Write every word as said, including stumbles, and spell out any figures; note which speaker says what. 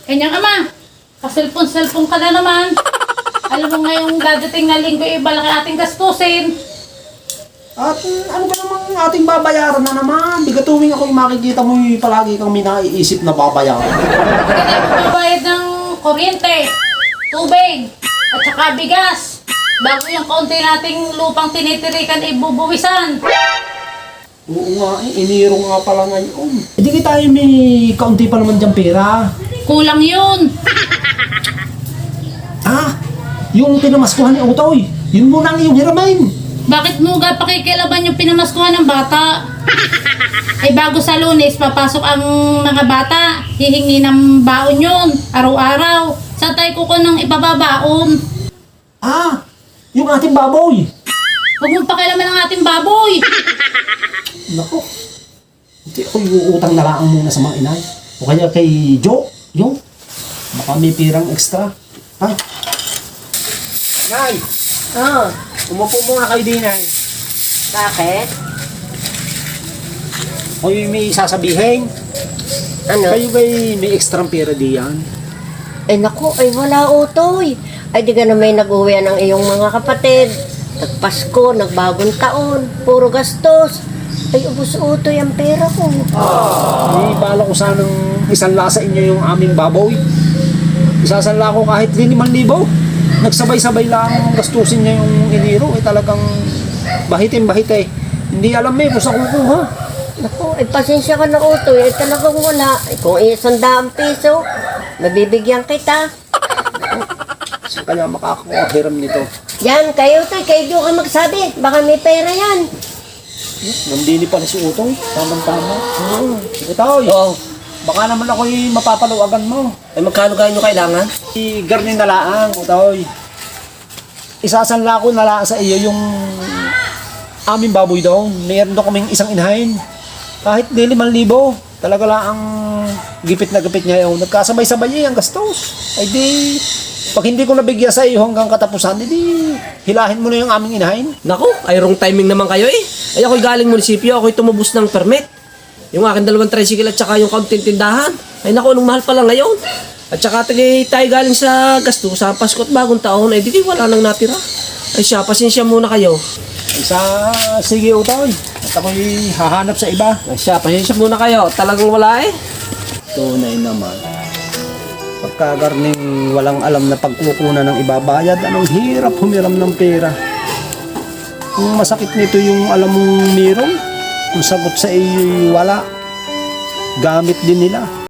Speaker 1: Kanyang ama, kaselpon-selpon ka na naman. Alam mo ngayong dadating na linggo, eh, malaki ating gastusin.
Speaker 2: At mm, ano ba namang ating babayaran na naman? Di ka tuwing ako yung makikita mo yung palagi kang may naiisip na babayaran.
Speaker 1: Hindi na magbabayad ng kuryente, tubig, at saka bigas. Bago yung kaunti nating lupang tinitirikan, ibubuwisan.
Speaker 2: Oo nga, eh, iniro nga pala ngayon. Hindi kita tayo may kaunti pa naman dyan pera.
Speaker 1: Kulang yun.
Speaker 2: Ah, yung pinamaskuhan ni Otoy, yun muna ang iyong hiramain.
Speaker 1: Bakit mo ga pakikilaban yung pinamaskuhan ng bata? Ay bago sa Lunes, papasok ang mga bata. Hihingi ng baon yun, araw-araw. Saan tayo kuko ng ipababaon?
Speaker 2: Ah, yung ating baboy.
Speaker 1: Huwag mong pakialaman ang ating baboy.
Speaker 2: Nako, hindi ako iuutang na lang muna sa mga inay. O kaya kay Jo, yung baka may pirang extra. Ay. Nay,
Speaker 3: Oh,
Speaker 2: umupo muna kayo din ay.
Speaker 3: bakit?
Speaker 2: Hoy, may sasabihin.
Speaker 3: Ano?
Speaker 2: Kayo ba'y may extra pera diyan?
Speaker 3: Ay naku, ay wala utoy. Ay di ka na may nag-uwi ng iyong mga kapatid. Nagpasko, nagbagong taon, puro gastos. Ay ubos utoy ang pera ko.
Speaker 2: May bala ko sanang isanla sa inyo yung aming baboy. Isasanla ko kahit limang libo. Nagsabay-sabay lang gastusin niya yung iniro. Eh talagang bahitin bahit eh. Hindi alam eh kung saan kukuha.
Speaker 3: Naku, ay pasensya ka na utoy. Ay talagang wala. Ay kung isang daang piso, mabibigyan kita.
Speaker 2: Saan kaya makakahiram nito?
Speaker 3: Yan, kayo utoy, kayo doon ka magsabi. Baka may pera yan.
Speaker 2: Nandini pa si Utong. Tamang-tama.
Speaker 3: Hmm.
Speaker 2: Sige tayo.
Speaker 4: Oo.
Speaker 2: Baka naman ako'y mapapaluwagan mo.
Speaker 4: Ay magkano kayo nyo kailangan?
Speaker 2: I garni na laang, Utoy. Isasanla ko na lang sa iyo yung aming baboy daw. Meron daw kaming isang inahin. Kahit di limang libo. Talaga lang ang gipit na gipit niya yun. Nagkasabay-sabay niya yung gastos. Ay di, pag hindi ko nabigyan sa iyo hanggang katapusan, di hilahin mo na yung aming inahin.
Speaker 4: Naku, ay wrong timing naman kayo eh. Ay ako'y galing munisipyo, ako'y tumubos ng permit. Yung aking dalawang tricycle at saka yung kaunting tindahan. Ay naku, anong mahal pala ngayon. At saka tagay tayo galing sa gasto, sa Pasko at bagong taon, ay di wala nang natira. Ay siya, pasensya muna kayo.
Speaker 2: Ay sa, sige Utoy. At ako'y hahanap sa iba.
Speaker 4: Ay siya, pasensya muna kayo. Talagang wala eh.
Speaker 2: Tunay naman. Pagkagarning walang alam na pagkukunan ng ibabayad, anong hirap humiram ng pera. Kung masakit nito yung alam mong meron, kung sagot sa iyo wala, gamit din nila.